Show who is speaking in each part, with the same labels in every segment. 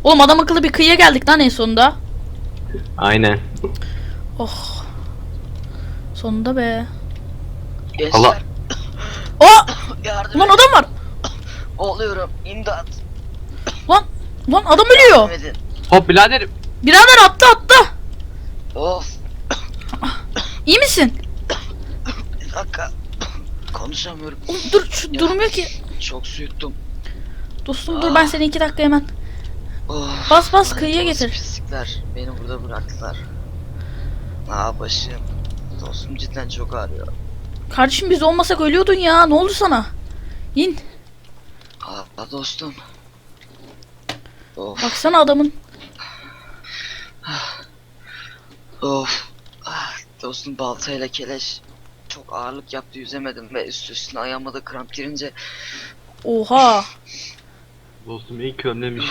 Speaker 1: Oğlum adam akıllı bir kıyıya geldik lan en sonunda.
Speaker 2: Aynen.
Speaker 1: Oh. Sonunda be.
Speaker 3: Gençler.
Speaker 2: Allah.
Speaker 1: Oh!
Speaker 3: Yardım
Speaker 1: Ulan
Speaker 3: edin.
Speaker 1: adam var.
Speaker 3: Oluyorum. İmdat.
Speaker 1: Lan. Lan adam ölüyor.
Speaker 3: Yardım edin.
Speaker 2: Hop biraderim.
Speaker 1: Birader attı.
Speaker 3: Of.
Speaker 1: İyi misin?
Speaker 3: Bir dakika. Konuşamıyorum.
Speaker 1: Oğlum dur şu
Speaker 3: Ya.
Speaker 1: durmuyor ki.
Speaker 3: Çok su yuttum.
Speaker 1: Dostum dur ben seni 2 dakika hemen.
Speaker 3: Of.
Speaker 1: Bas,
Speaker 3: Lanet
Speaker 1: kıyıya
Speaker 3: olası
Speaker 1: getir.
Speaker 3: Pislikler. Beni burada bıraktılar. Başım. Dostum cidden çok ağrıyor.
Speaker 1: Kardeşim biz olmasak ölüyordun ya. Ne oldu sana? İn.
Speaker 3: Dostum. Of.
Speaker 1: Baksana adamın.
Speaker 3: Of. Dostum baltayla keleş çok ağırlık yaptı, yüzemedim ve üstüne ayağıma da kramp girince
Speaker 1: Oha.
Speaker 2: Dostum iyi ki önlemiştim.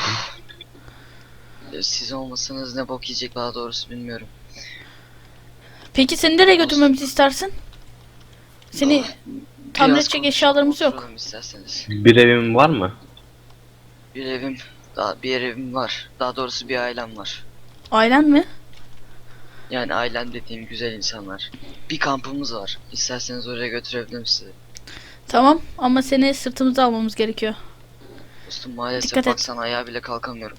Speaker 3: siz olmasanız ne bok yiyecek daha doğrusu bilmiyorum.
Speaker 1: Peki seni nereye götürmemizi istersin? Seni tamir
Speaker 3: Biraz
Speaker 1: edecek
Speaker 3: konuşalım,
Speaker 1: eşyalarımız yok.
Speaker 3: oturalım isterseniz.
Speaker 2: Bir evim var mı?
Speaker 3: Bir evim var. Daha doğrusu bir ailem var.
Speaker 1: Ailen mi?
Speaker 3: Yani ailem dediğim güzel insanlar. Bir kampımız var. İsterseniz oraya götürebilirim sizi.
Speaker 1: Tamam ama seni sırtımıza almamız gerekiyor.
Speaker 3: Dostum maalesef
Speaker 1: Dikkat et.
Speaker 3: baksana ayağa bile kalkamıyorum.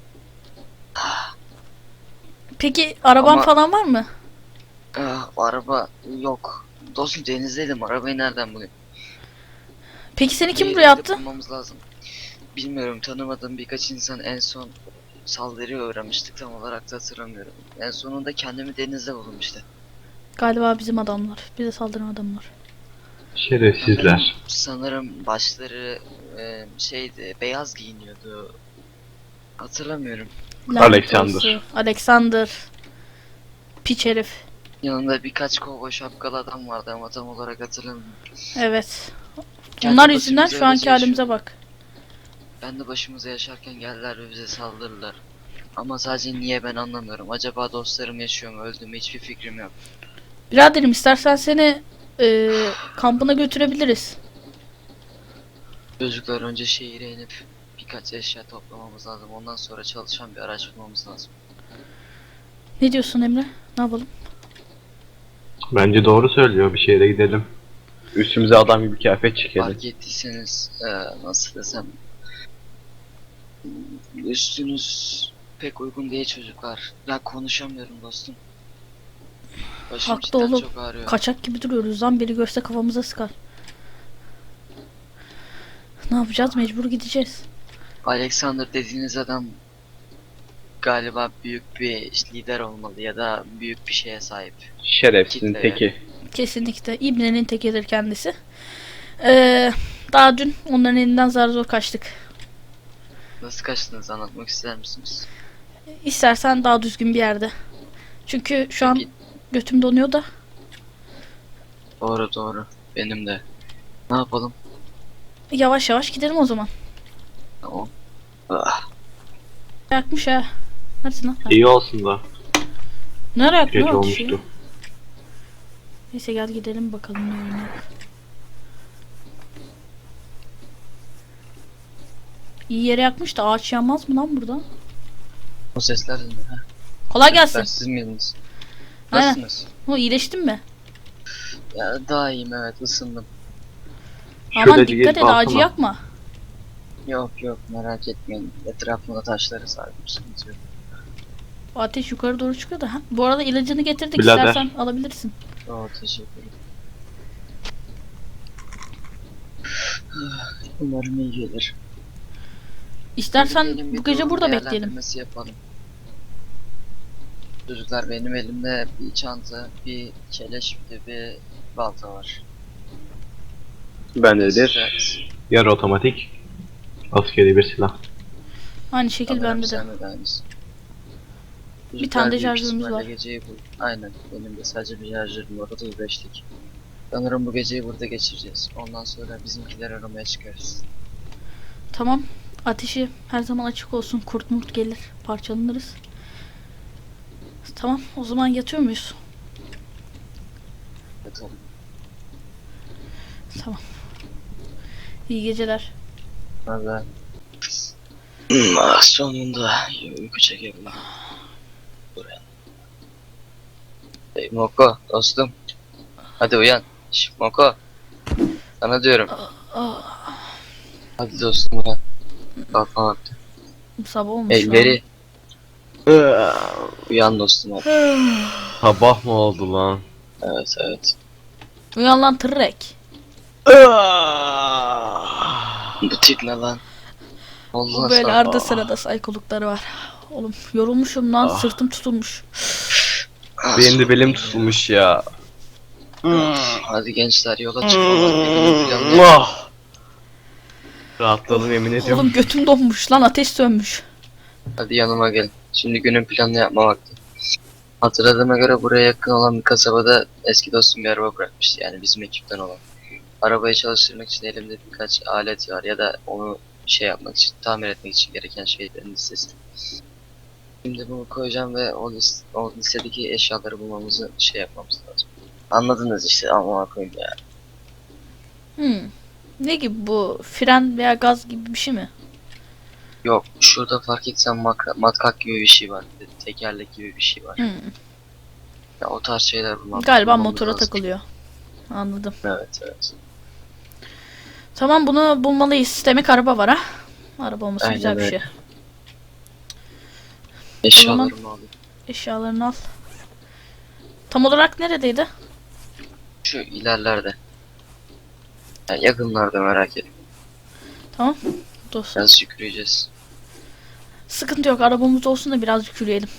Speaker 1: Peki araban
Speaker 3: Ama-
Speaker 1: falan var mı?
Speaker 3: Araba yok. Dostum denizdeydim, arabayı nereden bulayım?
Speaker 1: Peki seni kim
Speaker 3: Bir
Speaker 1: buraya
Speaker 3: yerde
Speaker 1: attı?
Speaker 3: bulmamız lazım. Bilmiyorum, tanımadığım birkaç insan en son saldırıya uğramıştık, tam olarak da hatırlamıyorum. En sonunda kendimi denizde buldum işte.
Speaker 1: Galiba bizim adamlar. Bize saldıran adamlar.
Speaker 2: Şerefsizler.
Speaker 3: Sanırım başları şeydi, beyaz giyiniyordu. Hatırlamıyorum.
Speaker 1: Lanet
Speaker 2: Alexander.
Speaker 1: olsun. Alexander. Piç herif.
Speaker 3: Yanında birkaç kovboy şapkalı adam vardı ama tam olarak hatırlamıyorum.
Speaker 1: Evet.
Speaker 3: Kendi
Speaker 1: Onlar yüzünden
Speaker 3: başımıza
Speaker 1: şu anki
Speaker 3: öylece
Speaker 1: halimize
Speaker 3: yaşıyorduk.
Speaker 1: bak.
Speaker 3: Ben de başımıza yaşarken geldiler ve bize saldırdılar. Ama sadece niye ben anlamıyorum. Acaba dostlarım yaşıyor mu, öldü mü, hiçbir fikrim yok.
Speaker 1: Biraderim istersen seni kampına götürebiliriz.
Speaker 3: Çocuklar, önce şehire inip birkaç eşya toplamamız lazım. Ondan sonra çalışan bir araç bulmamız lazım.
Speaker 1: Ne diyorsun Emre? Ne yapalım?
Speaker 2: Bence doğru söylüyor. Bir şehre gidelim. Üstümüze adam gibi kıyafet çekelim.
Speaker 3: Fark ettiyseniz nasıl desem, üstünüz pek uygun değil çocuklar. Ben konuşamıyorum dostum. Başım
Speaker 1: Haklı
Speaker 3: cidden
Speaker 1: oğlum.
Speaker 3: çok ağrıyor.
Speaker 1: Kaçak gibi duruyoruz lan. Biri görse kafamıza sıkar. Ne yapacağız? Mecbur gideceğiz.
Speaker 3: Alexander dediğiniz adam galiba büyük bir lider olmalı ya da büyük bir şeye sahip.
Speaker 2: Şerefsizin
Speaker 3: Kitle.
Speaker 2: teki.
Speaker 1: Kesinlikle. İbnenin tekidir kendisi. Daha dün onların elinden zar zor kaçtık.
Speaker 3: Nasıl kaçtınız, anlatmak ister misiniz?
Speaker 1: İstersen daha düzgün bir yerde. Çünkü şu an
Speaker 3: Peki.
Speaker 1: götüm donuyor da.
Speaker 3: Doğru doğru. Benim de. Ne yapalım?
Speaker 1: Yavaş yavaş gidelim o zaman.
Speaker 3: Tamam. Ah,
Speaker 1: Yakmış ha. Neredesin lan?
Speaker 2: İyi olsun da.
Speaker 1: Nereye yaktın
Speaker 2: Gece
Speaker 1: lan ateşi?
Speaker 2: olmuştu.
Speaker 1: Neyse gel gidelim bakalım ne oynuyor. İyi yere yakmış da ağaç yanmaz mı lan burada?
Speaker 3: o sesler de ne? Ha?
Speaker 1: Kolay
Speaker 3: Sesler
Speaker 1: gelsin.
Speaker 3: siz miydiniz?
Speaker 1: Aynen.
Speaker 3: Nasılsınız?
Speaker 1: O iyileştin mi?
Speaker 3: Ya daha iyiyim, evet, ısındım.
Speaker 1: Aman
Speaker 2: Şöyle
Speaker 1: dikkat et
Speaker 2: gelip
Speaker 1: ağacı
Speaker 2: alsana.
Speaker 1: yakma.
Speaker 3: Yok yok, merak etmeyin. Etrafımda taşları sardım, sıkıntı yok.
Speaker 1: O ateş yukarı doğru çıkıyor da. Ha, bu arada ilacını getirdik,
Speaker 2: Birader.
Speaker 1: istersen alabilirsin.
Speaker 3: Teşekkür ederim. Umarım iyi gelir.
Speaker 1: İstersen
Speaker 3: Gidelim, bir
Speaker 1: bu gece
Speaker 3: durum
Speaker 1: burada bekleyelim.
Speaker 3: değerlendirmesi yapalım. Çocuklar, benim elimde bir çanta, bir keleş, bir de bir balta var.
Speaker 2: Bendedir. Yarı otomatik. Askeri bir silah.
Speaker 1: Aynı şekil bende de. Bir tane de şarjörümüz var.
Speaker 3: Geceyi Aynen, benim de sadece bir şarjörüm var, 35'lik. Sanırım bu geceyi burada geçireceğiz. Ondan sonra bizimkiler aramaya çıkarız.
Speaker 1: Tamam. Ateşi her zaman açık olsun. Kurt murt gelir. Parçalanırız. Tamam. O zaman yatıyor muyuz?
Speaker 3: Yatalım.
Speaker 1: Tamam. İyi geceler.
Speaker 3: Hadi. Sonunda uyku çekebildim. Buraya. Hey Moko dostum. Hadi uyan. Şş, Moko. Sana diyorum. Hadi dostum uyan. Kalkma vakti.
Speaker 1: Sabah olmuş
Speaker 3: Elleri. Uyan dostum hadi.
Speaker 2: Sabah mı oldu lan?
Speaker 3: Evet evet.
Speaker 1: Uyan lan tırrek.
Speaker 3: Bu tip ne lan? Allah
Speaker 1: Bu böyle
Speaker 3: sana.
Speaker 1: arada sırada saykolukları var. Oğlum yorulmuşum lan,
Speaker 2: Ah.
Speaker 1: sırtım tutulmuş.
Speaker 2: Benim de belim tutulmuş ya.
Speaker 3: Hadi gençler yola çıkmalar. Bir günün planı.
Speaker 2: Ah! Rahatladım yemin ediyorum.
Speaker 1: Oğlum götüm donmuş lan, ateş sönmüş.
Speaker 3: Hadi yanıma gelin. Şimdi günün planını yapma vakti. Hatırladığıma göre buraya yakın olan bir kasabada eski dostum bir araba bırakmıştı. Yani bizim ekipten olan. Arabayı çalıştırmak için elimde birkaç alet var ya da onu şey yapmak için, tamir etmek için gereken şeylerin listesi. Şimdi bunu koyacağım ve o listedeki eşyaları bulmamızı şey yapmamız lazım. Anladınız işte ama koyayım ya.
Speaker 1: Ne gibi bu? Fren veya gaz gibi bir şey mi?
Speaker 3: Yok şurada fark etsen matkap gibi bir şey var. Tekerlek gibi bir şey var. Ya o tarz şeyler
Speaker 1: Galiba
Speaker 3: bulmamız
Speaker 1: motora
Speaker 3: lazım.
Speaker 1: takılıyor. Anladım.
Speaker 3: Evet evet.
Speaker 1: Tamam, bunu bulmalıyız. Demek araba var ha. Araba olması
Speaker 3: Aynen
Speaker 1: güzel bir
Speaker 3: öyle.
Speaker 1: şey.
Speaker 3: Eşyalarımı alayım.
Speaker 1: Eşyalarını al. Tam olarak neredeydi?
Speaker 3: Şu ilerlerde. Yani yakınlarda merak etme.
Speaker 1: Tamam. Dur.
Speaker 3: Biraz yürüyeceğiz.
Speaker 1: Sıkıntı yok. Arabamız olsun da birazcık yürüyelim.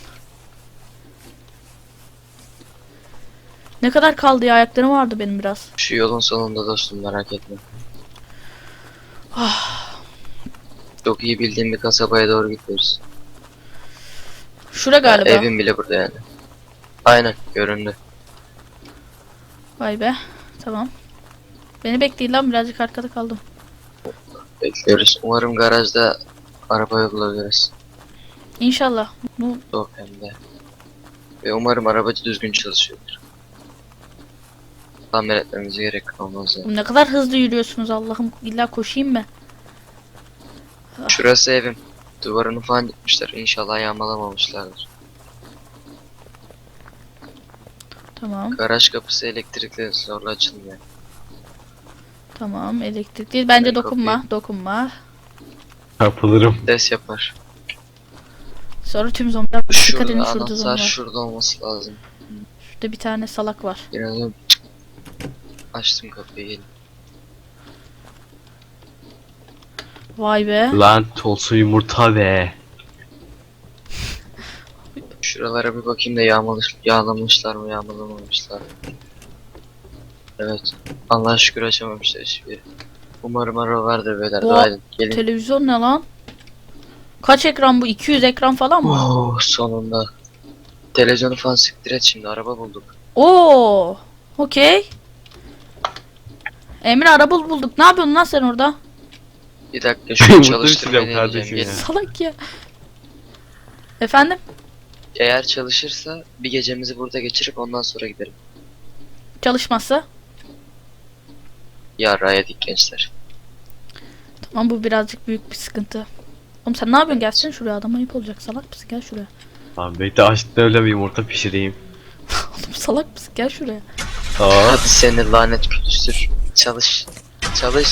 Speaker 1: Ne kadar kaldı ya? Ayaklarım vardı benim biraz.
Speaker 3: Şu yolun sonunda dostum merak etme. Çok iyi bildiğim bir kasabaya doğru gidiyoruz.
Speaker 1: Şura galiba.
Speaker 3: Evim bile burada yani. Aynen göründü.
Speaker 1: Vay be. Tamam. Beni bekleyin lan, birazcık arkada kaldım.
Speaker 3: Bekliyoruz. Umarım garajda arabayı bulabiliriz.
Speaker 1: İnşallah. Bu
Speaker 3: Yok hem de. Ve umarım arabacı düzgün çalışıyordur. Tamir etmemize gerek kalmaz yani.
Speaker 1: ne kadar hızlı yürüyorsunuz Allah'ım. İlla koşayım mı?
Speaker 3: Şurası evim. Duvarını falan yıkmışlar. İnşallah yağmalamamışlardır.
Speaker 1: Tamam.
Speaker 3: Garaj kapısı elektrikli zorla açılmıyor.
Speaker 1: Tamam. Elektrik değil. Bence
Speaker 3: Ben
Speaker 1: dokunma.
Speaker 3: kapıyı-
Speaker 1: Dokunma.
Speaker 2: Çarpılırım.
Speaker 3: Ses yapar.
Speaker 1: Sonra tüm zombiler. Dikkat edin,
Speaker 3: Şurada
Speaker 1: şurada
Speaker 3: anahtar
Speaker 1: zombi var.
Speaker 3: şurada olması lazım.
Speaker 1: Şurada bir tane salak var.
Speaker 3: İnanıyorum. Açtım kapıyı gelin.
Speaker 1: Vay be.
Speaker 2: Lan olsun yumurta be.
Speaker 3: Şuralara bir bakayım da yağlamışlar mı yağmalamamışlar mı? Evet. Allah'a şükür açamamışlar hiçbiri. Umarım araba vardır beyler.
Speaker 1: Bu-
Speaker 3: Dua edin. Gelin.
Speaker 1: Televizyon ne lan? Kaç ekran bu? 200 ekran falan mı?
Speaker 3: Oh, sonunda. Televizyonu falan siktir et şimdi araba bulduk.
Speaker 1: Oo. Okey. Emre, araba bulduk. Ne yapıyorsun lan sen orada?
Speaker 3: Bir dakika şunu
Speaker 2: Yumurta
Speaker 3: çalıştırmayı
Speaker 2: pişiriyorum
Speaker 3: deneyeceğim.
Speaker 2: kardeşim
Speaker 3: Gelin.
Speaker 1: Salak ya. Efendim?
Speaker 3: Eğer çalışırsa bir gecemizi burada geçirip ondan sonra giderim.
Speaker 1: Çalışmazsa?
Speaker 3: Yarrağa yedik gençler.
Speaker 1: Tamam, bu birazcık büyük bir sıkıntı. Oğlum sen ne yapıyorsun? Gelsene şuraya, adam ayıp olacak. Salak mısın? Gel şuraya.
Speaker 2: Lan bekle açlıktan öyle bir yumurta pişireyim.
Speaker 1: Oğlum salak mısın? Gel şuraya.
Speaker 2: Aa.
Speaker 3: Hadi seni lanet külüstür. Çalış. Çalış.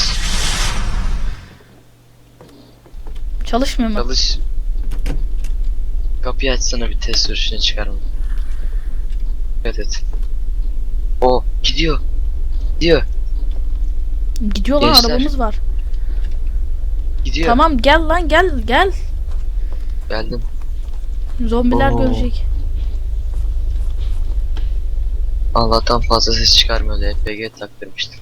Speaker 1: Çalışmıyor mu?
Speaker 3: Çalış. Kapıyı açsana bir test sürüşüne çıkarma. Dikkat et. O gidiyor. Gidiyor.
Speaker 1: Gidiyor lan,
Speaker 3: Gençler.
Speaker 1: arabamız var.
Speaker 3: Gidiyor.
Speaker 1: Tamam gel lan, gel.
Speaker 3: Geldim.
Speaker 1: Zombiler
Speaker 2: Oo.
Speaker 1: görecek.
Speaker 3: Allah'tan fazla ses çıkarmıyordu. LPG taktırmıştım.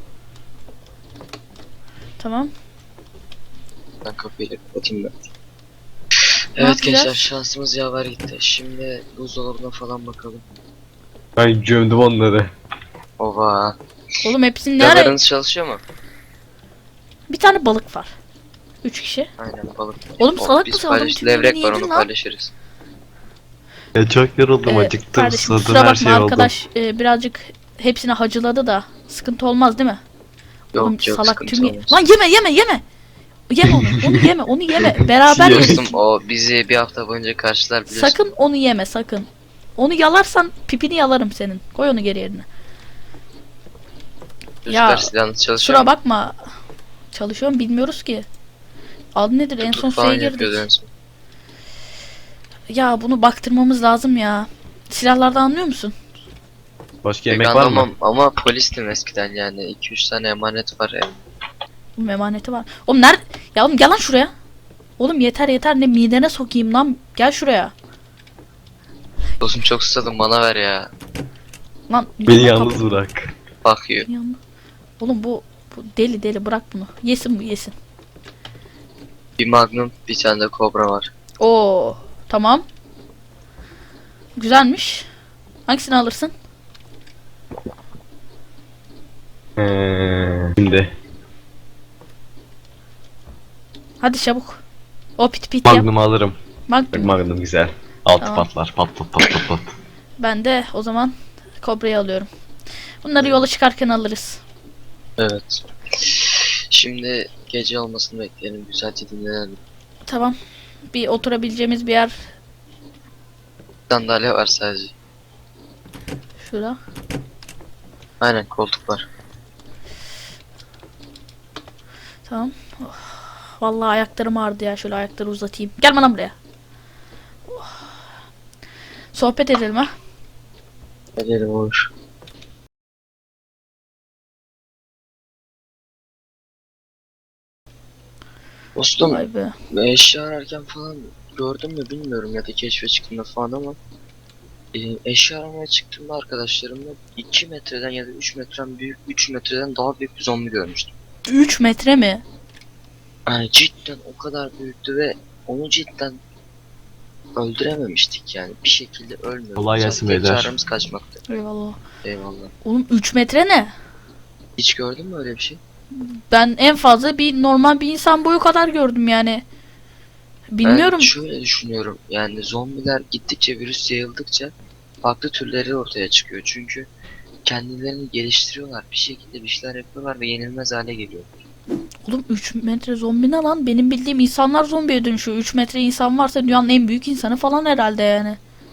Speaker 1: Tamam.
Speaker 3: Ben kapıyı da kapatayım ben.
Speaker 1: Ne
Speaker 3: Evet gençler
Speaker 1: yapacağız?
Speaker 3: şansımız yaver gitti. Şimdi buzdolabına falan bakalım.
Speaker 2: Ben gömdüm onları.
Speaker 3: Ova.
Speaker 1: Oğlum hepsini ne ara?
Speaker 3: Radarınız çalışıyor mu?
Speaker 1: Bir tane balık var. 3 kişi.
Speaker 3: Aynen balık.
Speaker 1: Oğlum
Speaker 3: O,
Speaker 1: salak
Speaker 3: biz
Speaker 1: mısın? Adam
Speaker 3: paylaş-
Speaker 1: tüm
Speaker 3: levrek
Speaker 1: yemeğini
Speaker 3: var
Speaker 1: yedin
Speaker 3: onu
Speaker 1: lan.
Speaker 3: paylaşırız.
Speaker 2: Ya çok yoruldum acıktım
Speaker 1: Kardeşim
Speaker 2: susadım
Speaker 1: kusura
Speaker 2: her
Speaker 1: bakma,
Speaker 2: şey oldu.
Speaker 1: arkadaş birazcık hepsini hacıladı da sıkıntı olmaz değil mi?
Speaker 3: Yok
Speaker 1: Oğlum
Speaker 3: yok
Speaker 1: salak
Speaker 3: sıkıntı
Speaker 1: tüm
Speaker 3: olmaz.
Speaker 1: Lan yeme. Yeme onu. Onu yeme. Onu yeme. Beraber
Speaker 2: Yes.
Speaker 1: yedik.
Speaker 3: Dostum o bizi bir hafta boyunca karşılar biliyorsun.
Speaker 1: Sakın onu yeme sakın. Onu yalarsan pipini yalarım senin. Koy onu geri yerine.
Speaker 3: Çocuklar
Speaker 1: Ya,
Speaker 3: silahınız çalışıyor
Speaker 1: Kusura
Speaker 3: mu?
Speaker 1: bakma. Çalışıyorum bilmiyoruz ki. Adı nedir? En son
Speaker 3: Tutuk falan
Speaker 1: şeye
Speaker 3: yapıyordu
Speaker 1: girdik.
Speaker 3: en son.
Speaker 1: Ya bunu baktırmamız lazım ya. Silahlardan anlıyor musun?
Speaker 2: Başka
Speaker 3: Pek
Speaker 2: yemek var mı?
Speaker 3: anlamam ama polistim eskiden yani. 2-3 tane emanet var evde.
Speaker 1: Oğlum emaneti var. Oğlum nerede? Ya oğlum gel lan şuraya. Oğlum yeter ne midene sokayım lan. Gel şuraya.
Speaker 3: Dostum çok susadım bana ver ya.
Speaker 1: Lan
Speaker 2: Beni
Speaker 1: yana
Speaker 2: yalnız
Speaker 1: kapı-
Speaker 2: bırak.
Speaker 3: Fuck you.
Speaker 1: Yanına. Oğlum bu deli bırak bunu. Yesin bu yesin.
Speaker 3: Bir magnum bir tane de kobra var.
Speaker 1: Oo tamam. Güzelmiş. Hangisini alırsın?
Speaker 2: Şimdi
Speaker 1: Hadi çabuk. O pit yap.
Speaker 2: Magnum'u alırım.
Speaker 1: Magnum.
Speaker 2: Magnum güzel. Altı
Speaker 1: Tamam.
Speaker 2: patlar. Pat pat pat pat pat.
Speaker 1: Ben de o zaman Kobra'yı alıyorum. Bunları yola çıkarken alırız.
Speaker 3: Evet. Şimdi gece olmasını bekleyelim. Güzelce dinlenelim.
Speaker 1: Tamam. Bir oturabileceğimiz bir yer
Speaker 3: Sandalye var sadece.
Speaker 1: şurada.
Speaker 3: Aynen koltuk var.
Speaker 1: Tamam. Oh, vallahi ayaklarım ağrıdı ya. Şöyle ayakları uzatayım. Gel bana buraya. Oh. Sohbet edelim ha.
Speaker 3: Edelim olur. Dostum
Speaker 1: Vay be.
Speaker 3: eşya ararken falan gördün mü bilmiyorum ya da keşfe çıktığında falan ama eşya aramaya çıktığımda arkadaşlarımla 2 metreden ya da 3 metreden büyük 3 metreden daha büyük bir zombi görmüştüm.
Speaker 1: 3 metre mi?
Speaker 3: Yani cidden o kadar büyüktü ve onu cidden öldürememiştik yani bir şekilde ölmüyordu.
Speaker 2: Kolay gelsin
Speaker 3: Tek
Speaker 2: beyler.
Speaker 3: çaremiz kaçmaktı.
Speaker 1: Eyvallah.
Speaker 3: Eyvallah.
Speaker 1: Oğlum 3 metre ne?
Speaker 3: Hiç gördün mü öyle bir şey?
Speaker 1: Ben en fazla bir normal bir insan boyu kadar gördüm yani. Bilmiyorum.
Speaker 3: Ben şöyle düşünüyorum yani zombiler gittikçe virüs yayıldıkça farklı türleri ortaya çıkıyor çünkü kendilerini geliştiriyorlar bir şekilde bir şeyler yapıyorlar ve yenilmez hale geliyor.
Speaker 1: Oğlum 3 metre zombi ne lan? Benim bildiğim insanlar zombiye dönüşüyor. 3 metre insan varsa dünyanın en büyük insanı falan herhalde yani.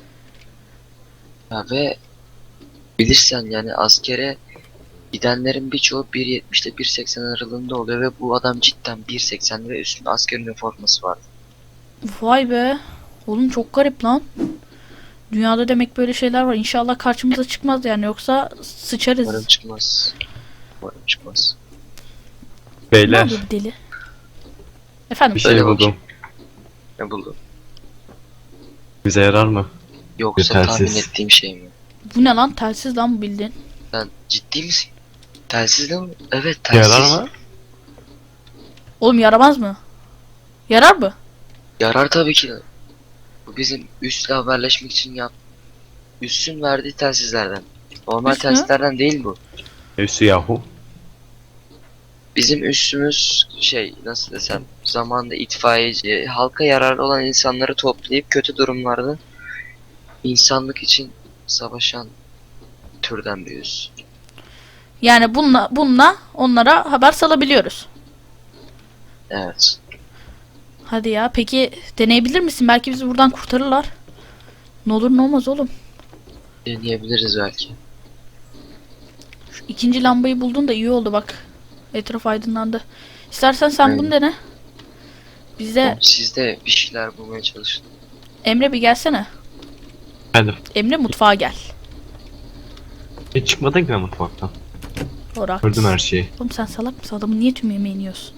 Speaker 3: Ya ve bilirsen yani askere gidenlerin birçoğu 1.70 ile 1.80 aralığında oluyor ve bu adam cidden 1.80 ve üstünde asker üniforması var.
Speaker 1: Vay be. Oğlum çok garip lan. Dünyada demek böyle şeyler var. İnşallah karşımıza çıkmaz yani yoksa
Speaker 3: Umarım
Speaker 1: sıçarız.
Speaker 3: çıkmaz. Umarım çıkmaz.
Speaker 1: Ne
Speaker 2: Beyler
Speaker 1: olur deli? Efendim?
Speaker 2: bir şey
Speaker 3: Öyle
Speaker 2: buldum.
Speaker 3: Ne buldun?
Speaker 2: Bize yarar mı?
Speaker 3: Yoksa
Speaker 2: Yetersiz.
Speaker 3: tahmin ettiğim şey mi?
Speaker 1: Bu ne lan? Telsiz lan bu bildiğin.
Speaker 3: Sen ciddi misin? Telsiz de mi? Evet telsiz.
Speaker 2: Yarar mı?
Speaker 1: Oğlum yaramaz mı? Yarar mı?
Speaker 3: Yarar tabii ki. Bu bizim üstle haberleşmek için üssün verdiği telsizlerden. Normal
Speaker 1: Üst mü?
Speaker 3: telsizlerden değil bu.
Speaker 2: Üstü yahu.
Speaker 3: Bizim üssümüz şey nasıl desem zamanında itfaiyeci, halka yararlı olan insanları toplayıp kötü durumlarda insanlık için savaşan türden bir üs.
Speaker 1: Yani bununla onlara haber salabiliyoruz.
Speaker 3: Evet.
Speaker 1: Hadi ya. Peki deneyebilir misin? Belki bizi buradan kurtarırlar. Ne olur ne olmaz oğlum.
Speaker 3: Deneyebiliriz belki.
Speaker 1: Şu ikinci lambayı buldun da iyi oldu bak. Etraf aydınlandı. İstersen sen bunu dene. Bize
Speaker 3: Siz de bir şeyler bulmaya çalışın.
Speaker 1: Emre bir gelsene.
Speaker 2: Efendim.
Speaker 1: Emre mutfağa gel.
Speaker 2: Hiç çıkmadın ki ben mutfaktan.
Speaker 1: Orak.
Speaker 2: Gördüm her şeyi.
Speaker 1: Oğlum sen salak mısın? Adamın niye tüm yemeğini yiyorsun?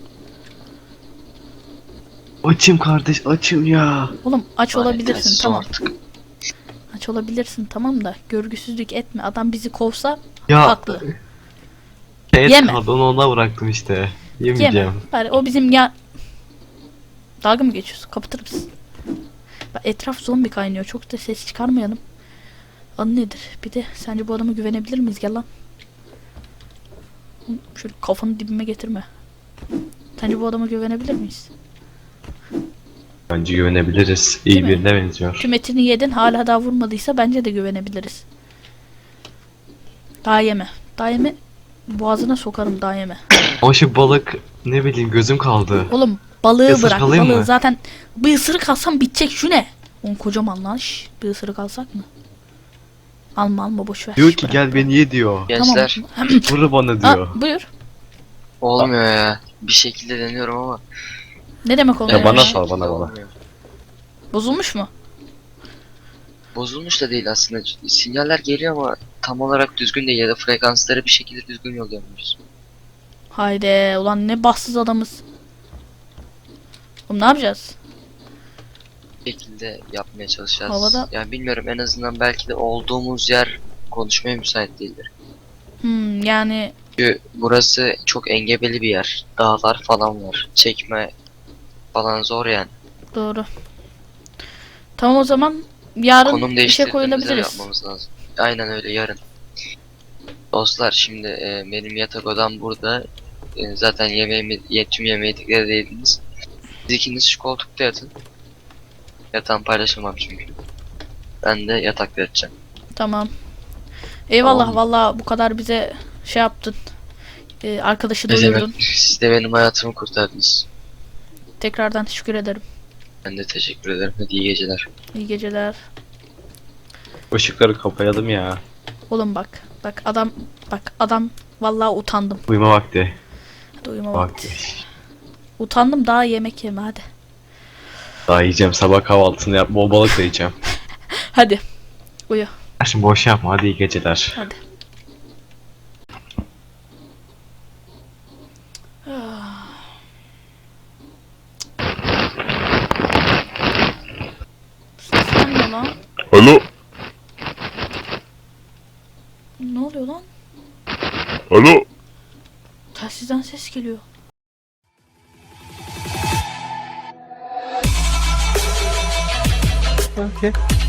Speaker 2: Açım kardeş açım ya.
Speaker 1: Oğlum aç
Speaker 3: Lanet
Speaker 1: olabilirsin
Speaker 3: telsiz
Speaker 1: tamam.
Speaker 3: artık.
Speaker 1: Aç olabilirsin tamam da görgüsüzlük etme. Adam bizi kovsa
Speaker 2: Ya.
Speaker 1: haklı.
Speaker 2: Et
Speaker 1: Yeme.
Speaker 2: kaldı onu ona bıraktım işte. Yemeyeceğim.
Speaker 1: Yeme. Bari o bizim ya... Dalga mı geçiyorsun? Kapatır mısın? Bak, etraf zombi kaynıyor. Çok da ses çıkarmayalım. Adı nedir? Bir de sence bu adama güvenebilir miyiz? Gel lan. Şöyle kafanı dibime getirme. Sence bu adama güvenebilir miyiz?
Speaker 2: Bence güvenebiliriz. İyi
Speaker 1: Değil mi?
Speaker 2: birine benziyor.
Speaker 1: Tüm etini yedin hala daha vurmadıysa bence de güvenebiliriz. Daha yeme. Daha yeme. Boğazına sokarım daha yeme.
Speaker 2: O şu balık ne bileyim gözüm kaldı.
Speaker 1: Oğlum Balığı
Speaker 2: Isırık
Speaker 1: bırak.
Speaker 2: alayım
Speaker 1: Balığı
Speaker 2: mı?
Speaker 1: zaten bir ısırık alsam bitecek, şu ne? Oğlum kocaman lan. Şş, bir ısırık alsak mı? Alma boş ver.
Speaker 2: Diyor
Speaker 1: Şş,
Speaker 2: ki
Speaker 1: bırak,
Speaker 2: gel
Speaker 1: bırak.
Speaker 2: beni ye diyor.
Speaker 3: Gençler
Speaker 2: Vur bana
Speaker 1: Aa,
Speaker 2: diyor.
Speaker 1: buyur.
Speaker 3: olmuyor ya. Bir şekilde deniyorum ama.
Speaker 1: Ne demek oluyor
Speaker 2: Ya bana
Speaker 1: ya?
Speaker 2: sal, bana.
Speaker 3: Olmuyor.
Speaker 1: Bozulmuş mu?
Speaker 3: Bozulmuş da değil aslında. Sinyaller geliyor ama tam olarak düzgün değil ya da frekansları bir şekilde düzgün yollayamıyoruz.
Speaker 1: Haydi ulan ne bahtsız adamız. Oğlum ne yapacağız?
Speaker 3: Bir şekilde yapmaya çalışacağız.
Speaker 1: Havada-
Speaker 3: Yani bilmiyorum, en azından belki de olduğumuz yer konuşmaya müsait değildir.
Speaker 1: Yani
Speaker 3: Çünkü burası çok engebeli bir yer. Dağlar falan var. Çekme falan zor yani.
Speaker 1: doğru. Tamam o zaman yarın
Speaker 3: Konum
Speaker 1: işe
Speaker 3: değiştirdiğimizde
Speaker 1: koyulabiliriz.
Speaker 3: yapmamız lazım. Aynen öyle, yarın. Dostlar şimdi benim yatak odam burada. Zaten tüm yemeği dikkat ediniz. Siz ikiniz şu koltukta yatın. Yatağımı paylaşamam çünkü. Ben de yatakta yatacağım.
Speaker 1: Tamam. Eyvallah
Speaker 3: Tamam.
Speaker 1: vallahi bu kadar bize şey yaptın. Arkadaşı
Speaker 3: Ne
Speaker 1: doyurdun.
Speaker 3: demek? Siz de benim hayatımı kurtardınız.
Speaker 1: Tekrardan teşekkür ederim.
Speaker 3: Ben de teşekkür ederim. Hadi iyi geceler.
Speaker 1: İyi geceler.
Speaker 2: Işıkları kapayalım ya.
Speaker 1: Oğlum bak. Bak adam vallahi utandım.
Speaker 2: Uyuma vakti.
Speaker 1: Hadi uyuma vakti.
Speaker 2: Vakti.
Speaker 1: Utandım, daha yemek yeme hadi.
Speaker 2: Daha yiyeceğim, sabah kahvaltısını yap, bol balık da yiyeceğim.
Speaker 1: Hadi. Uyu.
Speaker 2: Şimdi boş yapma, hadi iyi geceler.
Speaker 1: Hadi. Ah. Sesler ne lan?
Speaker 4: Alo,
Speaker 1: Ne oluyor lan?
Speaker 4: alo.
Speaker 1: Telsizden ses geliyor.
Speaker 2: Okay.